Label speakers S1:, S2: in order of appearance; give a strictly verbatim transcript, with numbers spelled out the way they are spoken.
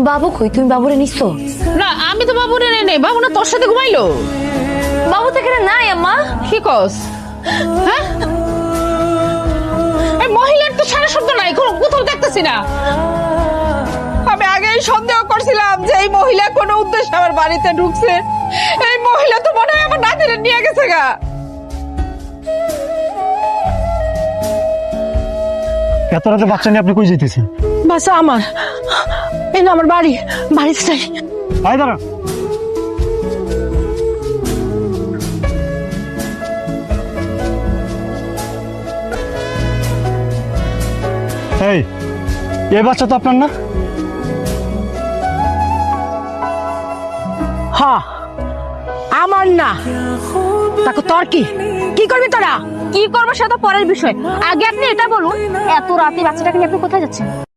S1: বাবু কই? তুমি বাবুরে নিছো?
S2: না আমি তো বাবুরে নেই নেই, বাবু না তোর সাথে ঘুমাইলো।
S1: বাবু তো এখানে নাই আম্মা।
S2: কি কস? হ্যাঁ, এই মহিলার তো সারা শব্দ নাই, কোনো কোথাও দেখতেছি না। আমি আগেই সন্দেহ করছিলাম যে এই মহিলা কোনো উদ্দেশ্যে আমার বাড়িতে ঢুকছে। এই মহিলা তো মনে হয় আমার নাতিরে নিয়ে গেছে গা।
S3: এত রাতে বাচ্চা নিয়ে আপনি কই যেতেছেন?
S2: বাসা আমার, এই না আমার বাড়ি, বাড়িতে চাই।
S3: আয় দাঁড়া। এই এই বাচ্চা তো আপনার না?
S2: হ্যাঁ আমার না, তাকে তোর কি কি করবি তোরা?
S1: কি করবো সেটা পরের বিষয়, আগে আপনি এটা বলুন, এত রাতে বাচ্চাটাকে নিয়ে আপনি কোথায় যাচ্ছেন?